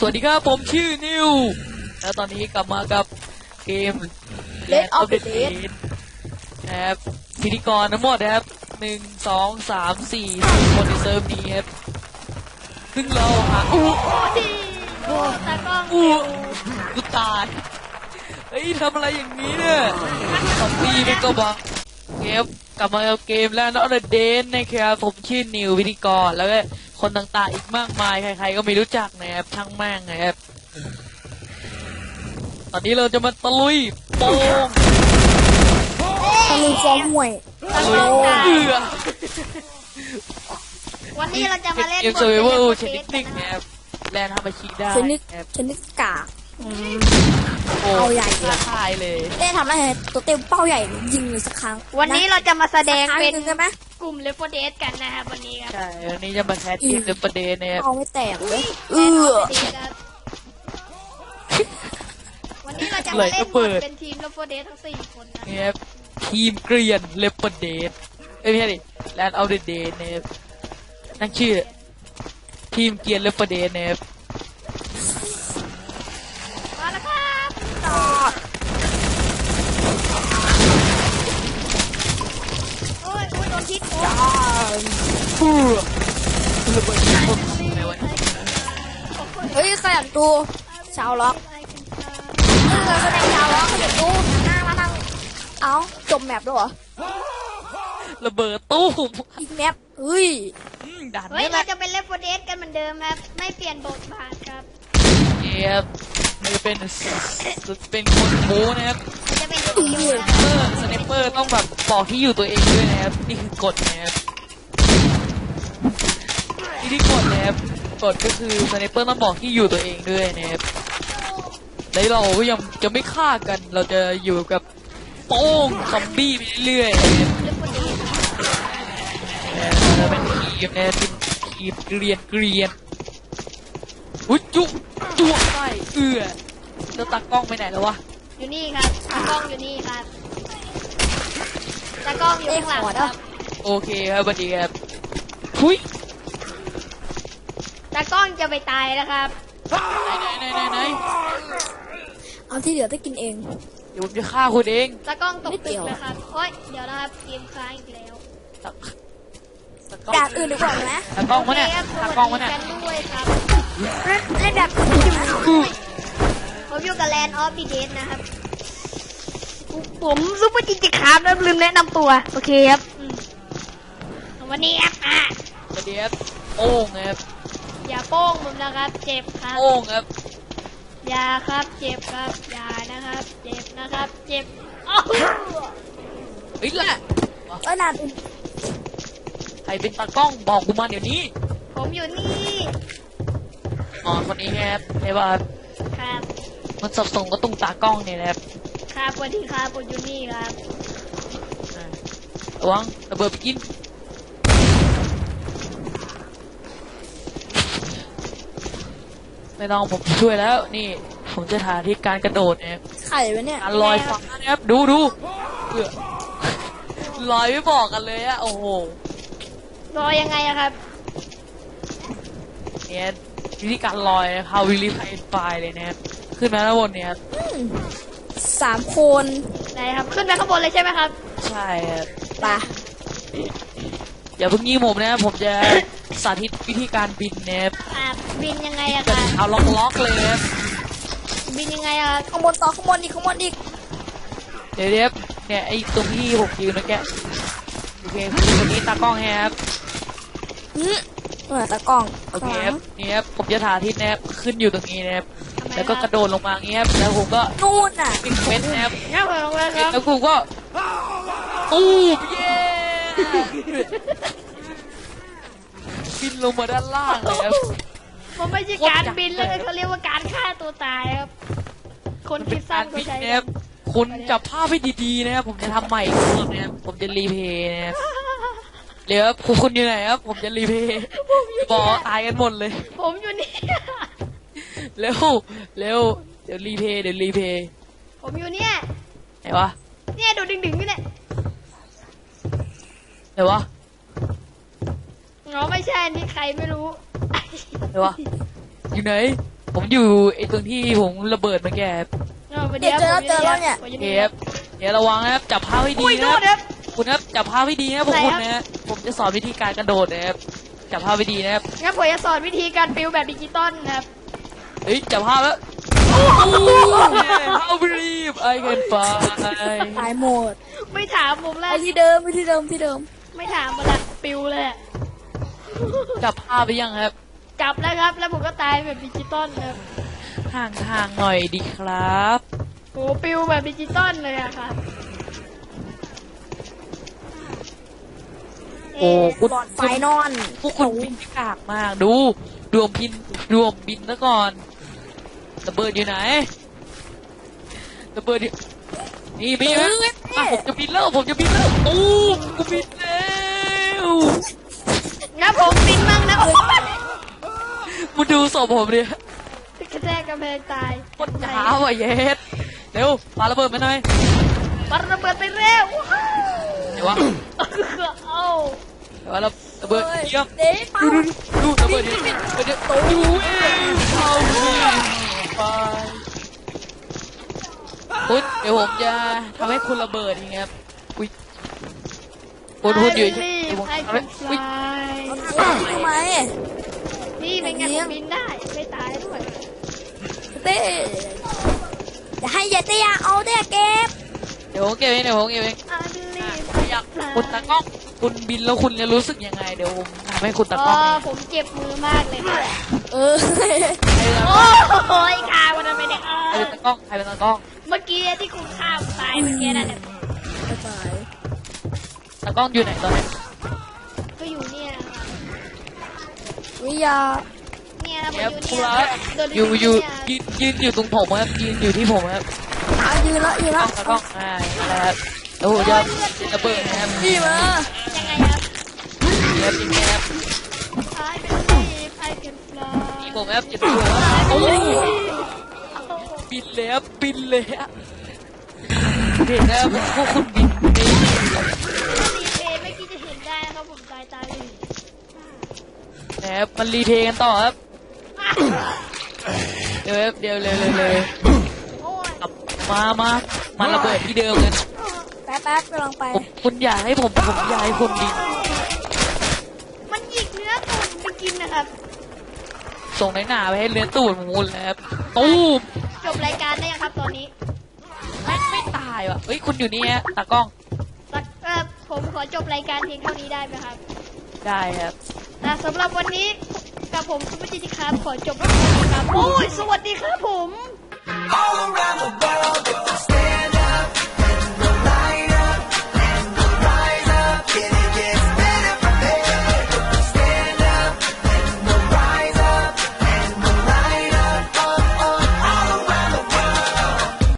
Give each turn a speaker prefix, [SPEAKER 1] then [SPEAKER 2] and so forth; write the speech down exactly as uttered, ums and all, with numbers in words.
[SPEAKER 1] วัสดีครับผมชื่อนิวแล้วตอนนี้กลับมากับเกม
[SPEAKER 2] Dead of the Dead
[SPEAKER 1] นะครับพิธีกรทั้งหมดนะครับหนึ่งสองสามสี่สี่คนในเซิร์ฟนี้ครับซึ่งเราหาอู้
[SPEAKER 2] โอ้ตากล้อง
[SPEAKER 1] อู้กูตายเฮ้ยทำอะไรอย่างนี้เนี่ยซอมบี้มันก็บอกเกมกลับมากับเกมแล้วนอตเดนนะครับผมชื่อนิวพิธีกรแล้วก็คนต่างๆอีกมากมายใครๆก็ไม่รู้จักนะครับช่างแม่งนะครับตอนนี้เราจะมาตะลุยโป่ง
[SPEAKER 2] ตะลุยฟอร์มห่วย
[SPEAKER 1] ตะลุยเอือ
[SPEAKER 3] วันนี้เราจะมาเล่น
[SPEAKER 1] เกมเซอร์ไวเวอร์ชนิดหนึ่งนะครับแลนด์ทำอาชีพได้
[SPEAKER 2] ชนิด
[SPEAKER 1] ครับ
[SPEAKER 2] ชนิดกาก
[SPEAKER 1] โอ้
[SPEAKER 2] เอาใหญ่เลย
[SPEAKER 1] ท้าทายเลย
[SPEAKER 2] ได้ทำอะไรตัวเต็มเป้าใหญ่ยิงเลยสักครั้ง
[SPEAKER 3] วันนี้เราจะมาแสดง
[SPEAKER 2] สักครั้
[SPEAKER 3] เป็น
[SPEAKER 2] หนึ่งได้ไหม
[SPEAKER 3] กลุ่มเลฟโฟเดสกันนะครับวันนี้ครับ
[SPEAKER 1] ใช่วันนี้จะมาแคสเกมเดอะประเดนนะครับ
[SPEAKER 2] เอาไม่แตกเลยเอ
[SPEAKER 3] แน่น
[SPEAKER 2] อ
[SPEAKER 3] อนดีครับวันนี้เราจะมาเล่นบทเป็นทีมเลฟโฟเดสทั้งสี่คนนะ
[SPEAKER 1] นี่ครับทีมเกรียนเลปเดนเอ้ยไม่ใช่ดิแลนด์เอาเดเดนนะครับนั่งชื่อทีมเกรียนเลปเดนนะครับ
[SPEAKER 3] มาแล้วครับต่อโอ้ยโอ้ยโดนพิษโอ้ย
[SPEAKER 1] ฟูระเบิดปุ๊บอะไรวะ
[SPEAKER 2] เฮ้ยขยันดูชาวล็อกเออแสดงชาวล็อกขยันดูหน้ามาทางเอ้าจมแมปด้วยเหรอ
[SPEAKER 1] ระเบิดตู้ม
[SPEAKER 2] อีกแมปเฮ้ย
[SPEAKER 1] อืมด่าน
[SPEAKER 3] เฮ้ย
[SPEAKER 1] นี้แห
[SPEAKER 3] เรา
[SPEAKER 1] ละ
[SPEAKER 3] จะเป็นเลฟโฟเดสกันเหมือนเดิมครับไม่เปลี่ยนบทบาทครับ
[SPEAKER 1] เอฟมันจะเป็นเป็นคนโม้นะครับ
[SPEAKER 3] เราจะเป็น
[SPEAKER 2] อื
[SPEAKER 3] ทีม
[SPEAKER 2] อ
[SPEAKER 3] นะ
[SPEAKER 1] เออสไนเปอร์ต้องแบบบอกที่อยู่ตัวเองด้วยนะครับนี่คือกฎนะครับที่ที่กฎนะครับกฎก็คือสไนเปอร์ต้องบอกที่อยู่ตัวเองด้วยนะครับแล้วเราก็ยังจะไม่ฆ่ากันเราจะอยู่กับโป้งซอมบี้ไปเรื่อยๆนะครับ
[SPEAKER 3] เลฟโฟเดส
[SPEAKER 1] เออเราเป็นทีมนะครับเป็นทีมเกรียนเกรียนอุ้ยจุ๊จุ๊ไปเอื้อเจ้าตากล้องไปไหนแล้ววะ
[SPEAKER 3] อยู่นี่ครับตากล้องอยู่นี่ครับตากล้องอยู่ข้างหลังครับ
[SPEAKER 1] โอเคครับสวัสดีครับหุย
[SPEAKER 3] ตากล้องจะไปตายแล้วครับ
[SPEAKER 1] ไหนไหนไหนไหน
[SPEAKER 2] เอาที่เหลือได้กินเอง
[SPEAKER 1] เดี๋ยวผมจะฆ่าคุณเอง
[SPEAKER 3] ตากล้องตก
[SPEAKER 2] ไม่เกี่
[SPEAKER 3] ตึก
[SPEAKER 2] ยว
[SPEAKER 3] เลยครับโอ้ยเดี๋ยวนะครับเกมค้างอีกแล้ว
[SPEAKER 1] ตาตากล้อง
[SPEAKER 2] ด่านอื่นดีกว่าไหม
[SPEAKER 1] ตากล้องวะเนี่ย
[SPEAKER 3] โคครับ
[SPEAKER 1] ตากล้องวะเนี่ย
[SPEAKER 3] สวัสดีกันด้วยครับ
[SPEAKER 2] เล่นแบบ
[SPEAKER 3] ผมอยู่กับแลนด์ออฟดีเดสนะครับ ผมซุปเปอร์จิจิคามนะลืมแนะนำตัว โอเคครับอืมวันนี้ครับอ่ะ
[SPEAKER 1] สวัสดีครับโป้งครับ
[SPEAKER 3] อย่าโป้งผมนะครับ เจ็บครับ
[SPEAKER 1] โป้งครับ
[SPEAKER 3] อย่าครับ เจ็บครับ อย่านะครับ เจ็บนะครับ เจ็บอ้าว
[SPEAKER 1] เฮ้ยแหละ
[SPEAKER 2] เออด่านอื่น
[SPEAKER 1] ใครเป็นตากล้องบอกกูมาเดี๋ยวนี้
[SPEAKER 3] ผมอยู่นี่
[SPEAKER 1] อ๋อคนนี้ครับใช่ป่ะครับ
[SPEAKER 3] ครับ
[SPEAKER 1] มันสับสนก็ตรงตากล้องเนี่ยนะครับ
[SPEAKER 3] ครับสวัสดีครับผมอยู่นี่ครับ
[SPEAKER 1] อ่าระวังระเบิดไปกินไม่ต้องผมช่วยแล้วนี่ผมจะถ่ายที่การกระโดดนะครับ
[SPEAKER 2] ไข่ไว้เนี่ย
[SPEAKER 1] การลอยฟ้านะครับดูดูเพื่อลอยไม่บอกกันเลยอะโอ้โห
[SPEAKER 3] รอยังไงอะครับ
[SPEAKER 1] เนี่ยวิธีการลอยเขาวิลิฟายไฟเลยนะครับขึ้นมาแล้วบนเนี่ยครับ
[SPEAKER 2] อืมสามคน
[SPEAKER 3] ไหนครับ ขึ้นไปข้างบนเลยใช่ไหมครับ
[SPEAKER 1] ใช่ครับ
[SPEAKER 2] ไป
[SPEAKER 1] อย่าเพิ่งยิงผมนะครับผมจะสาธิตวิธีการบินนะครับ
[SPEAKER 3] อ่าบินยังไงอะ
[SPEAKER 1] จะ
[SPEAKER 3] ครับ
[SPEAKER 1] เอาล็อกล็อกๆเลยครับ
[SPEAKER 3] บินยังไงอะครับ
[SPEAKER 2] ข้างบนต่อข้างบนอีกข้างบนอีก
[SPEAKER 1] เดี๋ยวเดี๋ยวเนี่ยไอ้ตรงที่ผมยืนเมื่อกี้โอเคคนนี้ตากล้องครับ
[SPEAKER 2] อืมเออตะกล้อง
[SPEAKER 1] โอเค
[SPEAKER 2] ข้างห
[SPEAKER 1] ค
[SPEAKER 2] ลั
[SPEAKER 1] รับ
[SPEAKER 2] ง
[SPEAKER 1] นี่ครับผมจะถ่ายทิศนะครับขึ้นอยู่ตรงนี้นะครับ
[SPEAKER 3] ทำไม
[SPEAKER 1] แล้วก็
[SPEAKER 3] ค
[SPEAKER 1] ก
[SPEAKER 3] รับ
[SPEAKER 1] ระโดดลงมาอย่างเงี้ยครับแล้วผมก็
[SPEAKER 2] นู่นน่ะ
[SPEAKER 1] ปิดเฟสนะครับ
[SPEAKER 3] งั้นผมลงเลยครับ
[SPEAKER 1] แล้วกูก็ตู้มเย้บินลงมาด้านล่างเลยครับ
[SPEAKER 3] มันไม่ใช่การบินแล้วเขาเรียกว่าการฆ่าตัวตายครับ คนคิดสั้นก็
[SPEAKER 1] บิน
[SPEAKER 3] ใช้
[SPEAKER 1] นะครับคุณจับภาพให้ดีๆนะครับผมจะทำใหม่อีกรอบนะครับผมจะรีเพย์นะครับเดี๋ยวครับคุณอยู่ไหนครับผมจะรีเพย์บอกตายกันหมดเลย
[SPEAKER 3] ผมอยู่นี่
[SPEAKER 1] เร็วเร็วเดี๋ยวรีเพย์เดี๋ยวรีเพย์
[SPEAKER 3] ผมอยู่เนี่ย
[SPEAKER 1] ไหนวะ
[SPEAKER 3] เนี่ยดูดึงๆนี่แหละ
[SPEAKER 1] ไหนวะ
[SPEAKER 3] อ๋อไม่ใช่นี่ใครไม่รู้
[SPEAKER 1] ไหนวะอยู่ไหนผมอยู่ไอ้ตรงที่ผมระเบิดเมื่อกี้ครับ
[SPEAKER 3] เอาไป
[SPEAKER 2] เดี๋ยวเจอแล้วเจอแล้วเนี่ย
[SPEAKER 3] ผมอ
[SPEAKER 1] โอเค
[SPEAKER 3] นี่
[SPEAKER 1] ครับเดี๋ยวระวังนะครับจับภาพให้ดี
[SPEAKER 3] อุ้ย
[SPEAKER 1] นะ
[SPEAKER 3] โด
[SPEAKER 1] ครับ
[SPEAKER 3] ดครับ
[SPEAKER 1] คุณครับจับภาพให้ดีนะครับพวก
[SPEAKER 3] ไหน
[SPEAKER 1] คุณ
[SPEAKER 3] ครับ
[SPEAKER 1] นะฮะผมจะสอนวิธีการกระโดดนะครับจับภาพให้ดีนะครับ
[SPEAKER 3] งั้นผมจะสอนวิธีการปิวแบบดิจิตอลนะครับ
[SPEAKER 1] เฮ้ยจับภาพแล้ว How believe I can fly
[SPEAKER 2] ตายหมด
[SPEAKER 3] ไม่ถามผม
[SPEAKER 2] ไป
[SPEAKER 3] แล้ว
[SPEAKER 2] ที่เดิมไปที่เดิมที่เดิม
[SPEAKER 3] ไม่ถามมาละปิวเลยอะ
[SPEAKER 1] จับภาพไปยังครับ
[SPEAKER 3] จับแล้วครับ แล้วผมก็ตายแบบดิจิตอลนะครับ
[SPEAKER 1] ห่างทางๆหน่อยดีครับ
[SPEAKER 3] โหปิวแบบดิจิตอลเลยอะครับ
[SPEAKER 1] โอ้คุณ
[SPEAKER 2] บอดไฟนอน
[SPEAKER 1] พวกคุณบินกากมากดูดวงพินดวงบินซะก่อนระเบิดอยู่ไหนระเบิดอยู่นี่มีไหมอ่ะผมจะบินแล้วผมจะบินแล้วโอ้กูบินแล้ว
[SPEAKER 3] งั้นผมปินมั่งนะโอ้ย
[SPEAKER 1] มาดูศพผมดิ
[SPEAKER 3] กระแทกกำแพงตาย
[SPEAKER 1] คนช้าว่ะเย็ดเร็วปาระเบิดมาหน่อย
[SPEAKER 3] ปัดระเบิดไปเร็ว
[SPEAKER 1] เดี๋ยววะ
[SPEAKER 3] เอ้า
[SPEAKER 1] เดี๋ยวระระเบิดเยี่ยม
[SPEAKER 2] เด็กเปล่า
[SPEAKER 1] ดูดูระเบิดดิเดี๋ยวดูเองเอาสิไปคุณเดี๋ยวผมจะทำให้คุณระเบิดอย่างเงี้ยครับอุ้ยคุณคุณอยู่เฉยๆเดี๋ยวผม
[SPEAKER 3] ไอ้
[SPEAKER 1] ทำให้
[SPEAKER 3] คุณ
[SPEAKER 1] อุ้ย
[SPEAKER 3] ฟลาย
[SPEAKER 2] ทำไม
[SPEAKER 3] นี่เป็นไงผมบินได้ ไม่ตายด้วย
[SPEAKER 2] เต้อย่าให้อย่าเต้เอาเต้เก็บ
[SPEAKER 1] เดี๋ยวผมเก็บเองเดี๋ยวผมเก็บเอง
[SPEAKER 3] อันนี้
[SPEAKER 1] อยากคุณตากล้องคุณบินแล้วคุณจะรู้สึกยังไงเดี๋ยวผมทำให้คุณตา
[SPEAKER 3] อ๋
[SPEAKER 1] กล้อง
[SPEAKER 3] อ
[SPEAKER 1] เอง
[SPEAKER 3] ผมเจ็บมือมากเลยค่ะ
[SPEAKER 2] เออ
[SPEAKER 1] ใครเป็นตา
[SPEAKER 3] โอ้
[SPEAKER 1] กล้อง
[SPEAKER 3] ยข่าวมันทำไมเนี่ยเอ
[SPEAKER 1] ใคร
[SPEAKER 3] อ
[SPEAKER 1] เป็นตากล้องใครเป็นตากล้อง
[SPEAKER 3] เมื่อกี้ที่คุณข้ามตายเมื่อกี้นั่นน่ะ
[SPEAKER 2] ตาย
[SPEAKER 1] ตากล้องอยู่ไหนตอนนี้
[SPEAKER 3] ก็อยู่เนี่ยค่ะ
[SPEAKER 2] วิยา
[SPEAKER 3] เนี่ยผม
[SPEAKER 1] เดี๋ยว
[SPEAKER 3] อ
[SPEAKER 1] คุ
[SPEAKER 3] ยู่
[SPEAKER 1] ณ
[SPEAKER 3] เนี่ย
[SPEAKER 1] ละ
[SPEAKER 3] โดน
[SPEAKER 1] อยู่อยู่
[SPEAKER 3] เนี่
[SPEAKER 1] ยืนยืนอยู่ตรงผมครับยืนอยู่ที่ผมครับ
[SPEAKER 2] อ่ะยืนละยืน
[SPEAKER 1] ตา
[SPEAKER 2] ละ
[SPEAKER 1] กล้องตากล้องอ่าแล้วครับแล้วผมจะระเบิดนะครับ
[SPEAKER 2] พี่มา
[SPEAKER 3] ยังไงครับ
[SPEAKER 1] เดี๋ยวยิงนะครับ
[SPEAKER 3] I believe I can fly
[SPEAKER 1] ยิงผมครับจะดูว่าโอ้บินเลยครับบินเลยครับเห็นนะครับพวกคุณบินนี่
[SPEAKER 3] รีเพย์ไม่คิดจะเห็นได้ครับผมตายตายเลย
[SPEAKER 1] นะครับมันรีเพย์กันต่อครับ เดี๋ยวครับเดี๋ยวเร็วเร็วเร็ว
[SPEAKER 3] โอ้ย
[SPEAKER 1] กลับมามามาระเบิดที่เดิมกัน
[SPEAKER 2] แป๊บแป๊บกำลังไป
[SPEAKER 1] ผมคุณอยากให้ผมผมอยากให้คุณบิน
[SPEAKER 3] มันหยิกเนื้อตุ่นไปกินนะครับ
[SPEAKER 1] ส่งในหนาไปให้เลื้อนตูดของคุณแล้วครับตูม
[SPEAKER 3] จบรายการได้ยังครับตอนนี้
[SPEAKER 1] ไม่ไม่ตายว่ะเฮ้ยคุณอยู่นี่ฮะตากล้อง
[SPEAKER 3] ตัดเอ่อผมขอจบรายการเพียงเท่านี้ได้ไหมครับ
[SPEAKER 1] ได้ครับ
[SPEAKER 3] แต่สำหรับวันนี้กับผมซุปเปอร์จิจิครับขอจบเพียงเท่านี้ครับโอ้ยสวัสดีครับผม
[SPEAKER 4] All around the world, if you stay